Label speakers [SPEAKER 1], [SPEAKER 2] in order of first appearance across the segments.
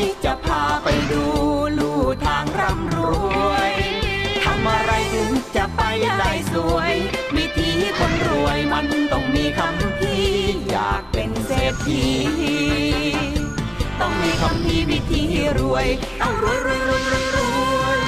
[SPEAKER 1] จะพาไปดูลู่ทางร่ำรวยทำอะไรถึงจะไปได้สวยวิธีคนรวยมันต้องมีคำพีอยากเป็นเศรษฐีต้องมีคำพีวิธีรวยต้องรวยรวยรวยรวยรวย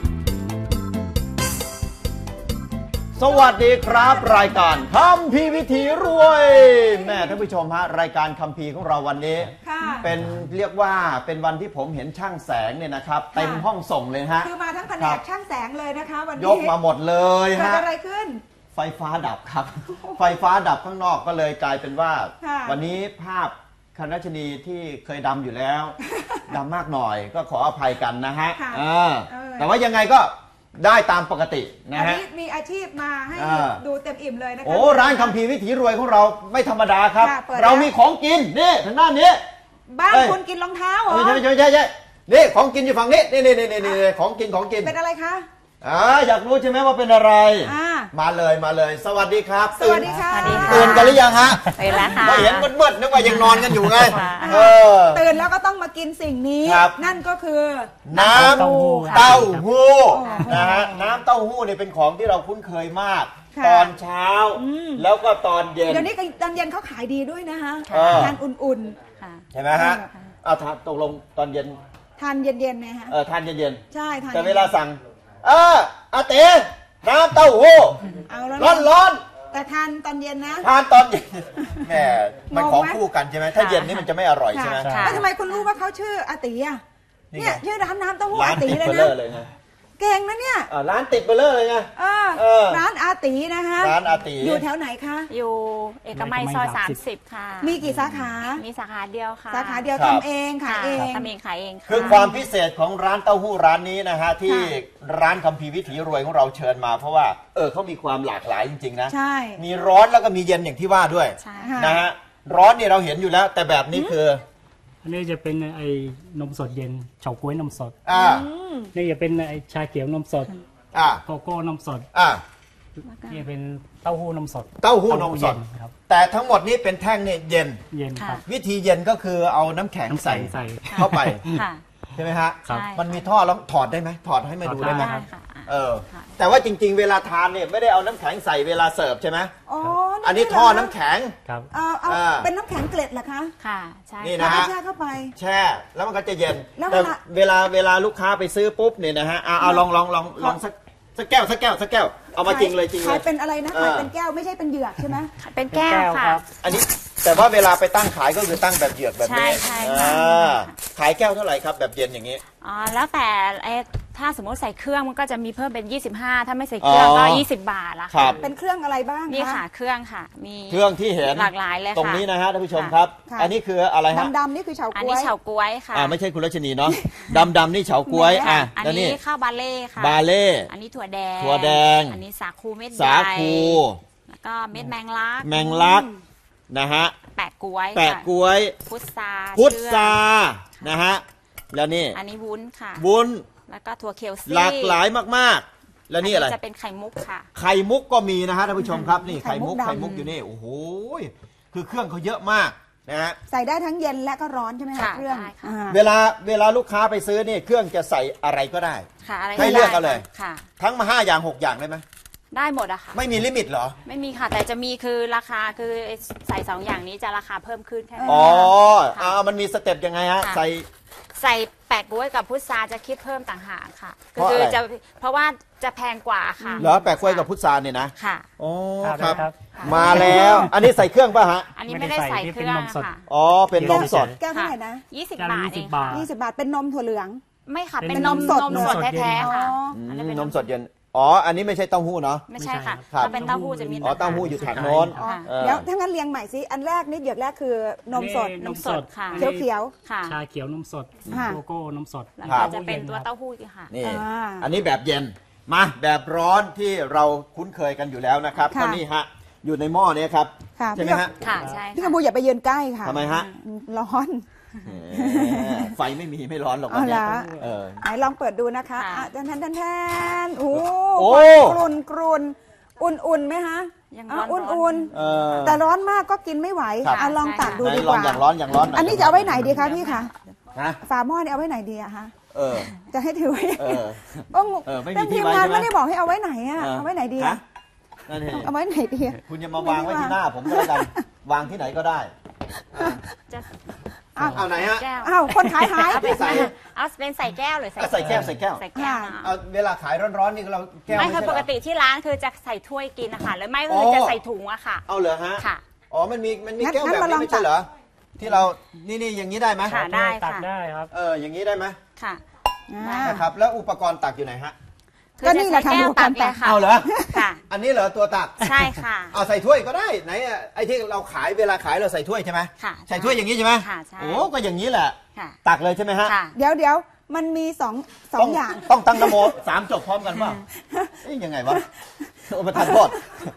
[SPEAKER 2] สวัสดีครับรายการคัมภีร์วิถีรวยแม่ท่านผู้ชมฮะรายการคัมภีร์ของเราวันนี้เป็นเรียกว่าเป็นวันที่ผมเห็นช่างแสงเนี่ยนะครับเต็มห้องส่งเลยฮะ
[SPEAKER 3] คือมาทั้งแผนกช่างแสงเลยนะคะวันนี้
[SPEAKER 2] ยกมาหมดเลยฮะ
[SPEAKER 3] เกิดอะไรขึ้น
[SPEAKER 2] ไฟฟ้าดับครับไฟฟ้าดับข้างนอกก็เลยกลายเป็นว่าวันนี้ภาพคณะชนีที่เคยดำอยู่แล้วดำมากหน่อยก็ขออภัยกันนะฮะแต่ว่ายังไงก็ได้ตามปกตินะฮะ
[SPEAKER 3] มีอาชีพมาให้ดูเต็มอิ่มเลยนะคะ
[SPEAKER 2] โอ้ร้านคัมภีร์วิถีรวยของเราไม่ธรรมดาครับเรามีของกินนี่ทางด้านนี้
[SPEAKER 3] บ้านคุณกินรองเท้าเหรอ
[SPEAKER 2] ใช่นี่ของกินอยู่ฝั่งนี้นี่ของกิน
[SPEAKER 3] เป็นอะไรคะ
[SPEAKER 2] อยากรู้ใช่ไหมว่าเป็นอะไรมาเลยสวัสดีครับ
[SPEAKER 3] สวัสดีค่ะ
[SPEAKER 2] ตื่นกันหรือยังฮะ
[SPEAKER 4] ตื่นแล้วค่ะ
[SPEAKER 2] ไม่เห็นมืดๆนึกว่ายังนอนกันอยู่ไง
[SPEAKER 3] ตื่นแล้วก็ต้องมากินสิ่งนี้นั่นก็คือ
[SPEAKER 2] น้ำเต้าหู้นะฮะน้ำเต้าหู้เนี่ยเป็นของที่เราคุ้นเคยมากตอนเช้าแล้วก็ตอนเย็น
[SPEAKER 3] เดี๋ยวนี้ตอนเย็นเขาขายดีด้วยนะคะทานอุ่น
[SPEAKER 2] ๆใช่ไหมฮะทานตกลงตอนเย็น
[SPEAKER 3] ทานเย็นๆนะฮะ
[SPEAKER 2] ทานเย็น
[SPEAKER 3] ใช่ทาน
[SPEAKER 2] แต่เวลาสั่งอาเต๋น้ำเต้าหู้ร้อน
[SPEAKER 3] แต่ทานตอนเย็นนะ
[SPEAKER 2] ทานตอนเย็นแหมมันของคู่กันใช่ไหมถ้าเย็นนี่มันจะไม่อร่อยใช่ไหม
[SPEAKER 3] แล้วทำไมคุณรู้ว่าเขาชื่ออาติอ่ะเนี่ยชื่อร้านน้ำเต้าหู้อาติเลยนะเก่งนะเนี่ย
[SPEAKER 2] ร้านติดเบลเลอร์เลยไง
[SPEAKER 3] ร้านอาตินะคะ
[SPEAKER 2] ร้านอาติ
[SPEAKER 3] อยู่แถวไหนคะ
[SPEAKER 4] อยู่เอกมัยซอย30ค่ะ
[SPEAKER 3] มีกี่สาขา
[SPEAKER 4] มีสาขาเดียวค่ะ
[SPEAKER 3] สาขาเดียวทำเองขายเอง
[SPEAKER 4] ขายเอง
[SPEAKER 2] คือความพิเศษของร้านเต้าหู้ร้านนี้นะฮะที่ร้านคัมภีร์วิถีรวยของเราเชิญมาเพราะว่าเขามีความหลากหลายจริงๆนะมีร้อนแล้วก็มีเย็นอย่างที่ว่าด้วยนะฮะร้อนเนี่ยเราเห็นอยู่แล้วแต่แบบนี้คือ
[SPEAKER 5] อันนี้จะเป็นไอ้นมสดเย็นเฉาก๊วยนมสดนี่จะเป็นไอ้ชาเขียวนมสดโกโก้นมสดนี่เป็นเต้าหู้นมสด
[SPEAKER 2] นมสดครับแต่ทั้งหมดนี้เป็นแท่งเนี่ยเย็นครับวิธีเย็นก็คือเอาน้ำแข็งใส่เข้าไปใช่ไหมฮะมันมีท่อแล้วถอดได้ไหมถอดให้มาดูได้ไหมแต่ว่าจริงๆเวลาทานเนี่ยไม่ได้เอาน้ำแข็งใส่เวลาเสิร์ฟใช่ไหมอันนี้ท่อน้ำแข็ง
[SPEAKER 5] ครับ
[SPEAKER 3] เป็นน้ำแข็งเกล็ดเหรอคะ
[SPEAKER 4] ค่ะใช่
[SPEAKER 2] นี่นะฮะ
[SPEAKER 3] แช่เข้าไป
[SPEAKER 2] แช่แล้วมันก็จะเย็นแต่เวลาลูกค้าไปซื้อปุ๊บเนี่ยนะฮะเอาลองสักแก้วเอามาจริงเลย
[SPEAKER 3] ขายเป็นอะไรนะขายเป็นแก้วไม่ใช่เป็นเหยือกใช่ไหม
[SPEAKER 4] เป็นแก้วค่ะ
[SPEAKER 2] อันนี้แต่ว่าเวลาไปตั้งขายก็คือตั้งแบบเหยือกแบบนี้
[SPEAKER 4] ใช่
[SPEAKER 2] ขายแก้วเท่าไหร่ครับแบบเย็นอย่างนี้
[SPEAKER 4] แล้วแต่ถ้าสมมติใส่เครื่องมันก็จะมีเพิ่มเป็น25ถ้าไม่ใส่เครื่องก็20 บาทละ
[SPEAKER 2] ค่ะ
[SPEAKER 3] เป็นเครื่องอะไรบ้าง
[SPEAKER 4] นี่ค่ะเครื่องค่ะมี
[SPEAKER 2] เครื่องที่เห็น
[SPEAKER 4] หลากหลายเลยค่ะ
[SPEAKER 2] ตรงนี้นะฮะท่านผู้ชมครับอันนี้คืออะไรฮะ
[SPEAKER 3] ดำนี่คือเฉาก๊วย
[SPEAKER 4] อันนี้เฉาก๊วยค่ะ
[SPEAKER 2] ไม่ใช่คุณรัชนีเนาะดำนี่เฉาก๊วย
[SPEAKER 4] อันนี้ข้าวบาเล่ค่ะ
[SPEAKER 2] บาเล่
[SPEAKER 4] อันนี้ถั่วแดงอันนี้สาคูเม็ดใหญ่แล้วก็เม็ดแมงลัก
[SPEAKER 2] นะฮะ
[SPEAKER 4] แปะก๊วยพุทรา
[SPEAKER 2] นะฮะแล้วนี่
[SPEAKER 4] อันนี้วุ้นค่ะ
[SPEAKER 2] วุ้น
[SPEAKER 4] แล้วก็ถั่วเขียวซี่
[SPEAKER 2] หลากหลายมากๆแล้วนี่อะไร
[SPEAKER 4] จะเป็นไข่มุกค่ะ
[SPEAKER 2] ไข่มุกก็มีนะฮะท่านผู้ชมครับนี่ไข่มุกอยู่นี่โอ้โหคือเครื่องเขาเยอะมากนะฮะ
[SPEAKER 3] ใส่ได้ทั้งเย็นและก็ร้อนใช่ไหมคะเครื่อง
[SPEAKER 2] เวลาลูกค้าไปซื้อนี่เครื่องจะใส่อะไรก็ได้ให้เลือกเอาเลยทั้งมา5 อย่าง 6 อย่างได้ไหม
[SPEAKER 4] ได้หมดอะค่ะ
[SPEAKER 2] ไม่มีลิมิตเหรอ
[SPEAKER 4] ไม่มีค่ะแต่จะมีคือราคาคือใส่2 อย่างนี้จะราคาเพิ่มขึ้นแค่
[SPEAKER 2] มันมีสเต็ปยังไงฮะ
[SPEAKER 4] ใส่แปะกล้วยกับพุทราจะคิดเพิ่มต่างหากค่ะคือจะเพราะว่าจะแพงกว่าค่ะ
[SPEAKER 2] เหรอแปะกล้วยกับพุทราเนี่ยนะ
[SPEAKER 4] ค่ะ
[SPEAKER 2] อ๋อครับมาแล้วอันนี้ใส่เครื่องป่ะฮะ
[SPEAKER 4] อันนี้ไม่ได้ใส่เครื่องค่ะ
[SPEAKER 2] เป็นนมสด
[SPEAKER 3] แก้วเท่าไหร่นะ
[SPEAKER 4] 20 บาทเองค่ะ
[SPEAKER 3] 20 บาทเป็นนมถั่วเหลือง
[SPEAKER 4] ไม่ค่ะเป็นนมสดแท้ๆค่ะ
[SPEAKER 2] อันนี้เป็นนมสดเย็นอันนี้ไม่ใช่เต้าหู้เนาะ
[SPEAKER 4] ไม่ใช่ค่ะถ้าเป็นเต้าหู้จะมี
[SPEAKER 2] เต้าหู้อยู่ถังโน้น
[SPEAKER 3] แล้วถ้างั้นเรียงใหม่สิอันแรกนี่เหยือกแรกคือนมสด
[SPEAKER 4] ค่ะ
[SPEAKER 3] เขียว
[SPEAKER 4] ค่ะ
[SPEAKER 5] ชาเขียวนมสดโกโก้นมสด
[SPEAKER 4] แล้วก็จะเป็นตัวเต้าหู้ค่ะ
[SPEAKER 2] นี่อันนี้แบบเย็นมาแบบร้อนที่เราคุ้นเคยกันอยู่แล้วนะครับก็นี่ฮะอยู่ในหม้อนี้ครับใช่ไหมฮะ
[SPEAKER 4] ค่ะใช่
[SPEAKER 3] พี่กำพูอย่าไปยืนใกล้ค่ะ
[SPEAKER 2] ทำไมฮะ
[SPEAKER 3] ร้อน
[SPEAKER 2] ไฟไม่ร้อนหรอก
[SPEAKER 3] วันนี้ไหนลองเปิดดูนะคะแทนโอ้กรุนอุ่นไหมคะอุ่นแต่ร้อนมากก็กินไม่ไหวลองตักดูดีกว่า
[SPEAKER 2] อย่างร้อน
[SPEAKER 3] อันนี้จะเอาไว้ไหนดีคะพี่คะฝาหม้อเนี่ยเอาไว้ไหนดีอะฮะ จะให้ถือไว้
[SPEAKER 2] ไม่มีที่
[SPEAKER 3] ทีม
[SPEAKER 2] ไว้
[SPEAKER 3] งาน
[SPEAKER 2] ใช่ไหม
[SPEAKER 3] ไม่ได้บอกให้เอาไว้ไหนอะเอาไว้ไหนดีอะเอาไว้ไหนดีอะ
[SPEAKER 2] คุณอย่ามาวางไว้ที่หน้าผมก็แล้วกันวางที่ไหนก็ได้เอาไหนฮะ
[SPEAKER 3] เอาคนขายหาย
[SPEAKER 4] เอาเป็นใส่แก้วหรือ
[SPEAKER 2] ใส่แก้วเอาเวลาขายร้อนๆนี่เราแก้ว
[SPEAKER 4] ไม่คือปกติที่ร้านคือจะใส่ถ้วยกินนะคะแล้วไม่คือจะใส่ถุงอะค่ะ
[SPEAKER 2] เอาเหรอฮะค่ะอ๋อมันมีแก้วแบบนี้ไม่ใช่เหรอที่เรานี่อย่างนี้ได้ไหม
[SPEAKER 4] ค่ะได้
[SPEAKER 5] ตักได้ครับ
[SPEAKER 2] อย่างนี้ได้ไหม
[SPEAKER 4] ค่ะ
[SPEAKER 2] นะครับแล้วอุปกรณ์ตักอยู่ไหนฮะ
[SPEAKER 3] ก็นี่แหละค่ะดูกันตัก
[SPEAKER 2] เอาเหรอค่ะอันนี้เหรอตัวตัก
[SPEAKER 4] ใช่ค่ะ
[SPEAKER 2] เอาใส่ถ้วยก็ได้ไหนไอ้ที่เราขายเวลาขายเราใส่ถ้วยใช่ไหม
[SPEAKER 4] ค่ะ
[SPEAKER 2] ใส่ถ้วยอย่างนี้ใช่ไหม
[SPEAKER 4] ค่ะใช่
[SPEAKER 2] โอ้ก็อย่างนี้แหละตักเลยใช่ไหมฮะ
[SPEAKER 3] เดี๋ยวมันมีสองอย่าง
[SPEAKER 2] ต้องตั้งนโม3 จบพร้อมกันป่ะยังไงวะโอ้ประทานโทษ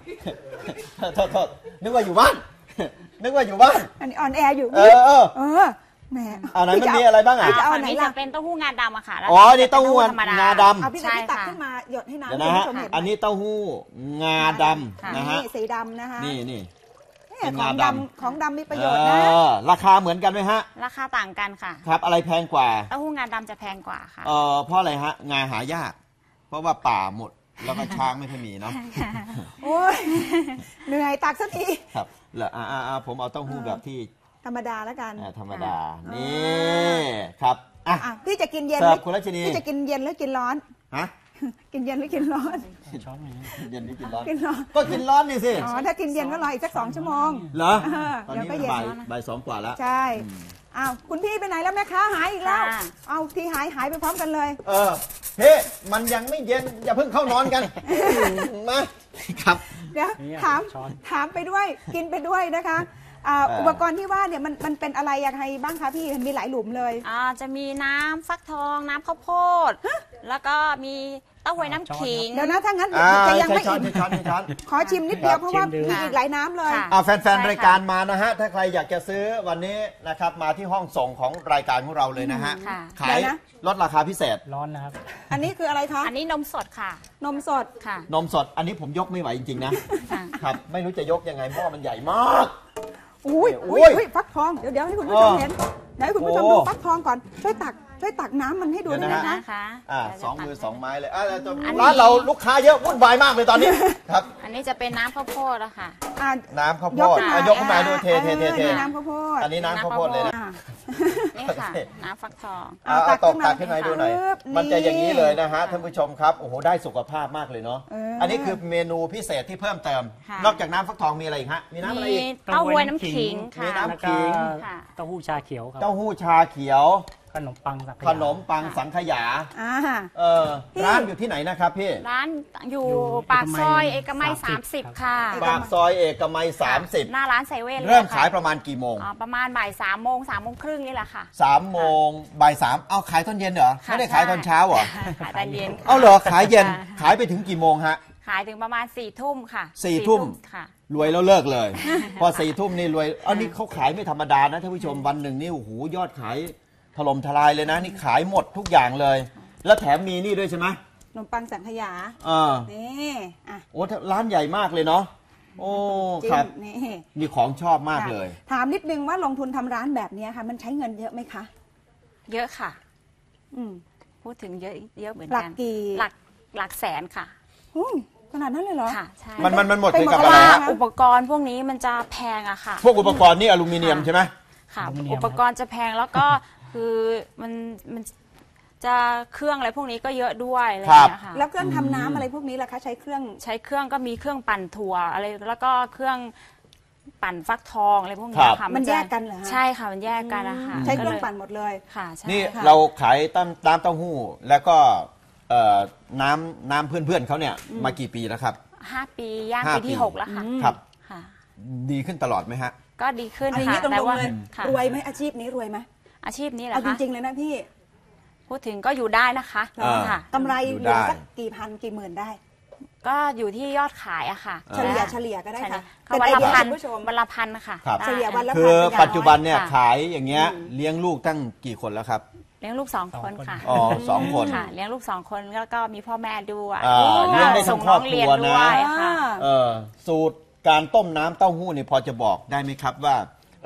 [SPEAKER 2] นึกว่าอยู่บ้าน
[SPEAKER 3] อันนี้ออนแอร์อยู่แหม
[SPEAKER 2] ไหนมันมีอะไรบ้างอ่ะ
[SPEAKER 4] อันนี้จะเป็นเต้าหู้งาดำอะค่ะ
[SPEAKER 2] อ๋อนี่เต้าหู้งาดำ
[SPEAKER 3] เอาพี่ตักขึ้นมาหยดให้น้ำ
[SPEAKER 2] นะฮะอันนี้เต้าหู้งาดำนะฮะ
[SPEAKER 3] สีดำนะคะ
[SPEAKER 2] นี่
[SPEAKER 3] ของดำมีประโยชน์นะ
[SPEAKER 2] ราคาเหมือนกันไหมฮะ
[SPEAKER 4] ราคาต่างกันค่ะ
[SPEAKER 2] ครับอะไรแพงกว่า
[SPEAKER 4] เต้าหู้งาดำจะแพงกว่าค่ะ
[SPEAKER 2] เพราะอะไรฮะงาหายากเพราะว่าป่าหมดแล้วก็ช้างไม่ค่อยมีเนาะ
[SPEAKER 3] โอ้ยเหนื่อยตักสักที
[SPEAKER 2] ครับแล้วผมเอาเต้าหู้แบบที่
[SPEAKER 3] ธรรมดาแล้วกัน
[SPEAKER 2] ธรรมดานี่ครับ
[SPEAKER 3] พี่จะกินเย็น
[SPEAKER 2] คุณรัชนี
[SPEAKER 3] พี่จะกินเย็นหรือกินร้อน
[SPEAKER 2] ฮะ
[SPEAKER 3] กินเย็นหรือกินร้อน
[SPEAKER 5] ช้อน
[SPEAKER 2] เย็นหรือกินร้อนก็กินร้อนนี่สิ
[SPEAKER 3] ถ้ากินเย็นก็รออีกสัก2 ชั่วโมง
[SPEAKER 2] เหรอตอนนี้บ่าย 2 กว่าแล้ว
[SPEAKER 3] ใช่คุณพี่ไปไหนแล้วแม่ค้าหายอีกแล้วเอาที่หายไปพร้อมกันเลย
[SPEAKER 2] เฮ้มันยังไม่เย็นอย่าเพิ่งเข้านอนกันมาครับ
[SPEAKER 3] เดี๋ยวถามไปด้วยกินไปด้วยนะคะอุปกรณ์ที่ว่าเนี่ยมันเป็นอะไรยังไงบ้างคะพี่มีหลายหลุมเลย
[SPEAKER 4] จะมีน้ำฟักทองน้ำข้าวโพดแล้วก็มีเต้าหวยน้ำขิง
[SPEAKER 3] เดี๋ยวนะถ้างั้นจะยังไม่อิ่มขอชิมนิดเดียวเพราะว่ามีอีกหลายน้ำเลย
[SPEAKER 2] แฟนๆรายการมานะฮะถ้าใครอยากจะซื้อวันนี้นะครับมาที่ห้องส่งของรายการของเราเลยนะฮะขายลดราคาพิเศษ
[SPEAKER 5] ร้อนนะครับ
[SPEAKER 3] อันนี้คืออะไรคะ
[SPEAKER 4] อันนี้นมสดค่ะ
[SPEAKER 3] นมสด
[SPEAKER 4] ค่ะ
[SPEAKER 2] นมสดอันนี้ผมยกไม่ไหวจริงๆนะครับไม่รู้จะยกยังไงเพราะมันใหญ่มาก
[SPEAKER 3] อุ้ยฟักทองเดี๋ยวให้คุณผู้ชมเห็นเดี๋ยวให้คุณผู้ชมดูฟักทองก่อนช่วยตักน้ำมันให้ดูได้ไหม
[SPEAKER 4] คะ
[SPEAKER 2] 2 มือ 2 ไม้เลยร้านเราลูกค้าเยอะวุ่นวายมากเลยตอนนี้ครับ
[SPEAKER 4] อันนี้จะเป็นน้ำข้าวโพดแล้วค่ะ
[SPEAKER 2] น้ำข้าวโพดยกขึ้นมาดูเท
[SPEAKER 3] น้ำข้าวโพด
[SPEAKER 2] อันนี้น้ำข้าวโพดเลยนะ
[SPEAKER 4] นี่ค่ะน้ำฟักทอง
[SPEAKER 2] ตักขึ้นมาดูหน่อยมันจะอย่างนี้เลยนะฮะท่านผู้ชมครับโอ้โหได้สุขภาพมากเลยเนาะอันนี้คือเมนูพิเศษที่เพิ่มเติมนอกจากน้ำฟักทองมีอะไรอีกฮะมีน้ำอะไรอีก
[SPEAKER 4] เต้าหู้น้ำขิง
[SPEAKER 2] มีน้ำขิง
[SPEAKER 5] เต้าหู้ชาเขียวครับ
[SPEAKER 2] เต้าหู้ชาเขียว
[SPEAKER 5] ขนมปัง
[SPEAKER 2] สังขยาร้านอยู่ที่ไหนนะครับพี่
[SPEAKER 4] ร้านอยู่ปากซอยเอกมัย30ค่ะ
[SPEAKER 2] ปากซอยเอกมัย30
[SPEAKER 4] หน้าร้านเซเว่น
[SPEAKER 2] เริ่มขายประมาณกี่โมง
[SPEAKER 4] ประมาณบ่าย3 โมง3 โมงครึ่งนี่แหละค่ะ
[SPEAKER 2] 3 โมงบ่าย 3เอาขายตอนเย็นเหรอไม่ได้ขายตอนเช้าเหรอ
[SPEAKER 4] ขายตอนเย็น
[SPEAKER 2] เอาเหรอขายเย็นขายไปถึงกี่โมงฮะ
[SPEAKER 4] ขายถึงประมาณ4 ทุ่มค่ะ
[SPEAKER 2] 4 ทุ่มค่ะรวยแล้วเลิกเลยพอ4 ทุ่มนี่รวยอันนี้เขาขายไม่ธรรมดานะท่านผู้ชมวันหนึ่งนี่โอ้โหยอดขายถล่มทลายเลยนะนี่ขายหมดทุกอย่างเลยแล้วแถมมีนี่ด้วยใช่ไหม
[SPEAKER 3] ขนมปังสังขยานี่
[SPEAKER 2] โอ้ร้านใหญ่มากเลยเนาะโอ้ครับนี่ของชอบมากเลย
[SPEAKER 3] ถามนิดนึงว่าลงทุนทำร้านแบบนี้ค่ะมันใช้เงินเยอะไหมคะ
[SPEAKER 4] เยอะค่ะพูดถึงเยอะเหมือนกันหลักแสนค่ะ
[SPEAKER 3] ขนาดนั้นเลยเหรอ
[SPEAKER 4] ค่ะใช่
[SPEAKER 2] มันหมดไปกับอะไร
[SPEAKER 4] อุปกรณ์พวกนี้มันจะแพงอะค่ะ
[SPEAKER 2] พวกอุปกรณ์นี่อลูมิเนียมใช่ไหม
[SPEAKER 4] ค่ะอุปกรณ์จะแพงแล้วก็คือมันจะเครื่องอะไรพวกนี้ก็เยอะด้วยอะไรอย่างเงี้ยค่ะ
[SPEAKER 3] แล้วเครื่องทำน้ำอะไรพวกนี้ล่ะคะใช้เครื่อง
[SPEAKER 4] ก็มีเครื่องปั่นถั่วอะไรแล้วก็เครื่องปั่นฟักทองอะไรพวกนี้ค่ะ
[SPEAKER 3] มันแยกกันเหรอ
[SPEAKER 4] ใช่ค่ะมันแยกกันนะคะ
[SPEAKER 3] ใช้เครื่องปั่นหมดเลย
[SPEAKER 4] ค่ะ
[SPEAKER 2] นี่เราขายน้ำเต้าหู้แล้วก็น้ำเพื่อนเขาเนี่ยมากี่ปีแล้วครับ
[SPEAKER 4] 5 ปีย่างปีที่6แล้วค่ะ
[SPEAKER 2] ครับดีขึ้นตลอดไหมฮะ
[SPEAKER 4] ก็ดีขึ้นค่ะแต่ว่
[SPEAKER 3] ารวยไหมอาชีพนี้รวยไหม
[SPEAKER 4] อาชีพนี้แหละ
[SPEAKER 3] ค่ะจริงๆเลยนะพี่
[SPEAKER 4] พูดถึงก็อยู่ได้นะคะ
[SPEAKER 3] กำไรอยู่สักกี่พันกี่หมื่นได้
[SPEAKER 4] ก็อยู่ที่ยอดขายอะค่ะ
[SPEAKER 3] เฉลี่ยก็ได้ค่ะ
[SPEAKER 4] วันละพันค่ะ
[SPEAKER 3] เฉลี่ยวันละพัน
[SPEAKER 2] คือปัจจุบันเนี่ยขายอย่างเงี้ยเลี้ยงลูกตั้งกี่คนแล้วครับ
[SPEAKER 4] เลี้ยงลูก2 คนค่ะ
[SPEAKER 2] อ๋อ2 คน
[SPEAKER 4] ค่ะเลี้ยงลูก2 คนแล้วก็มีพ่อแม่ด้วย
[SPEAKER 2] เลี้ยงได้ทั้งครอบครัวนะสูตรการต้มน้ำเต้าหู้นี่พอจะบอกได้ไหมครับว่า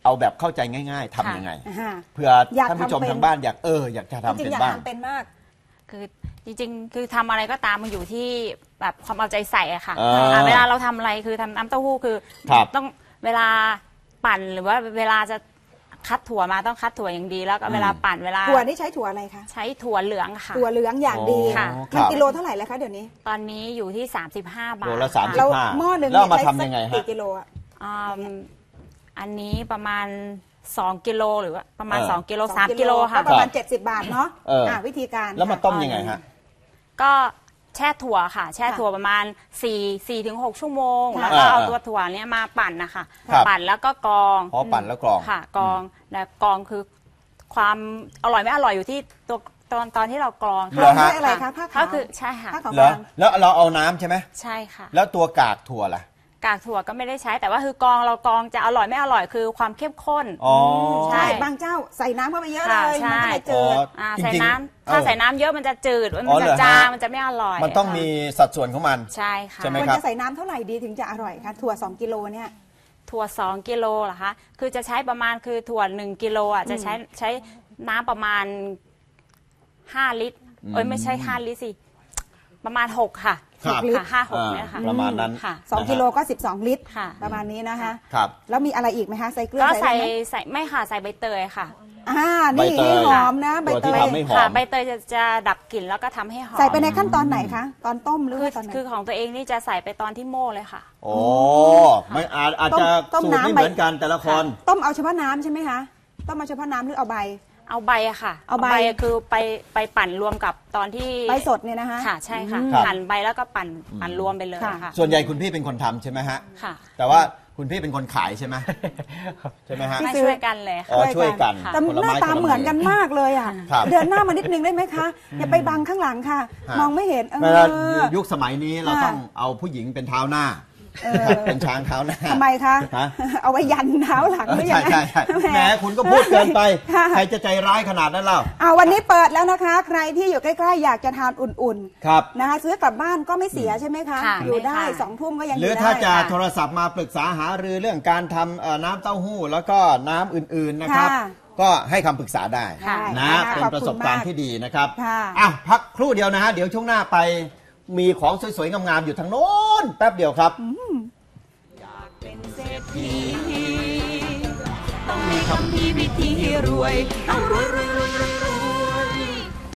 [SPEAKER 2] เอาแบบเข้าใจง่ายๆทำยังไงเผื่อท่านผู้ชมทางบ้านอยากจะทำเป็นบ้าง
[SPEAKER 3] เป็นมาก
[SPEAKER 4] คือจริงๆคือทำอะไรก็ตามมันอยู่ที่แบบความเอาใจใส่อะค่ะเวลาเราทำอะไรคือทำน้ำเต้าหู้คือต้องเวลาปั่นหรือว่าเวลาจะคัดถั่วมาต้องคัดถั่วอย่างดีแล้วก็เวลาปั่นเวลา
[SPEAKER 3] ถั่วนี่ใช้ถั่วอะไรคะ
[SPEAKER 4] ใช้ถั่วเหลืองค่ะ
[SPEAKER 3] ถั่วเหลืองอย่างดีค่ะมันกิโลเท่าไหร่แล้วคะเดี๋ยวนี้
[SPEAKER 4] ตอนนี้อยู่ที่35 บาท
[SPEAKER 2] โลละ35
[SPEAKER 3] หม้อหนึ่ง
[SPEAKER 2] แล้วมาทำยังไงฮะ
[SPEAKER 3] กี่กิโล
[SPEAKER 4] อันนี้ประมาณ2 กิโลหรือว่าประมาณ2 กิโล3 กิโลค่ะ
[SPEAKER 3] ประมาณ70 บาทเนาะวิธีการ
[SPEAKER 2] แล้วมาต้มยังไงฮะ
[SPEAKER 4] ก็แช่ถั่วค่ะแช่ถั่วประมาณ4 ถึง 6 ชั่วโมงแล้วก็เอาตัวถั่วเนี้ยมาปั่นนะคะปั่นแล้วก็กรอง
[SPEAKER 2] ปั่นแล้วกรอง
[SPEAKER 4] ค่ะกรองและกรองคือความอร่อยไม่อร่อยอยู่ที่ตัวตอนที่เรากรอง
[SPEAKER 3] ค่ะอะไรคะผ้าขาว
[SPEAKER 4] ก็คือใช่ค่ะ
[SPEAKER 2] แล้วเราเอาน้ำใช่ไหม
[SPEAKER 4] ใช่ค่ะ
[SPEAKER 2] แล้วตัวกากถั่วล่ะ
[SPEAKER 4] กากถั่วก็ไม่ได้ใช้แต่ว่าคือกรองเรากรองจะอร่อยไม่อร่อยคือความเข้มข้น
[SPEAKER 3] ใช่บางเจ้าใส่น้ำเข้าไปเยอะเลยมันก็เลยจืด
[SPEAKER 4] ใส่น้ำถ้าใส่น้ำเยอะมันจะจืดมันจะจางมันจะไม่อร่อย
[SPEAKER 2] มันต้องมีสัดส่วนของมัน
[SPEAKER 4] ใช่ค่ะ
[SPEAKER 3] ควรจะใส่น้ำเท่าไหร่ดีถึงจะอร่อยคะถั่ว2 กิโลเนี่ย
[SPEAKER 4] ถั่ว2 กิโลเหรอคะคือจะใช้ประมาณคือถั่ว1 กิโลอ่ะจะใช้น้ำประมาณ5 ลิตรไม่ใช่5 ลิตรสิประมาณ6ค่ะ
[SPEAKER 3] 6 ลิตร
[SPEAKER 4] 5-6เนี่ยค่ะ
[SPEAKER 2] ประมาณนั้น
[SPEAKER 3] 2 กิโลก็12 ลิตรประมาณนี้นะคะ
[SPEAKER 2] ครับ
[SPEAKER 3] แล้วมีอะไรอีกไหมคะใส่เกลือ
[SPEAKER 4] ก็ใส่ไม่ค่ะใส่ใบเตยค่ะ
[SPEAKER 3] นี่หอมนะใบเตย
[SPEAKER 4] ค่ะใบเตยจะดับกลิ่นแล้วก็ทำให้หอม
[SPEAKER 3] ใส่ไปในขั้นตอนไหนคะตอนต้มหรือตอนไหน
[SPEAKER 4] คือของตัวเองนี่จะใส่ไปตอนที่โม่เลยค่ะ
[SPEAKER 2] โอ้ไม่อาจจะสูตรไม่เหมือนกันแต่ละคน
[SPEAKER 3] ต้มเอาเฉพาะน้ำใช่ไหมคะต้มเอาเฉพาะน้ำหรือเอาใบ
[SPEAKER 4] เอาใบอะค่ะ
[SPEAKER 3] เอาใบ
[SPEAKER 4] คือไปปั่นรวมกับตอนที่
[SPEAKER 3] ใบสดเนี่ยนะคะ
[SPEAKER 4] ค่ะใช่ค่ะหั่นใบแล้วก็ปั่นรวมไปเลยค่ะ
[SPEAKER 2] ส่วนใหญ่คุณพี่เป็นคนทำใช่ไหมฮะ
[SPEAKER 4] ค่ะ
[SPEAKER 2] แต่ว่าคุณพี่เป็นคนขายใช่ไหมใช่ไหมฮะ
[SPEAKER 4] ช่วยกันเลย
[SPEAKER 2] ช่วยกัน
[SPEAKER 3] แต่หน้าตาเหมือนกันมากเลยอ่ะเดินหน้ามานิดนึงได้ไหมคะอย่าไปบังข้างหลังค่ะมองไม่เห็น
[SPEAKER 2] ยุคสมัยนี้เราต้องเอาผู้หญิงเป็นเท้าหน้าเป็นช้างเท้าหน้า
[SPEAKER 3] ทำไมคะเอาไว้ยันเท้าหลัง
[SPEAKER 2] ใช่ใช่แหมคุณก็พูดเกินไปใครจะใจร้ายขนาดนั้นเล่า
[SPEAKER 3] วันนี้เปิดแล้วนะคะใครที่อยู่ใกล้ๆอยากจะทานอุ่นๆนะคะซื้อกลับบ้านก็ไม่เสียใช่ไหมคะอยู่ได้2 ทุ่มก็ยังอยู่ได้
[SPEAKER 2] หรือถ้าจะโทรศัพท์มาปรึกษาหารือเรื่องการทำน้ำเต้าหู้แล้วก็น้ำอื่นๆนะครับก็ให้คำปรึกษาได้นะเป็นประสบการณ์ที่ดีนะครับพักครู่เดียวนะฮะเดี๋ยวช่วงหน้าไปมีของสวยๆงามๆอยู่ทางโน้นแป๊บเดียวครับ
[SPEAKER 1] อยากเป็นเศรษฐีต้องมีคำพีวิธีรวยต้องรวย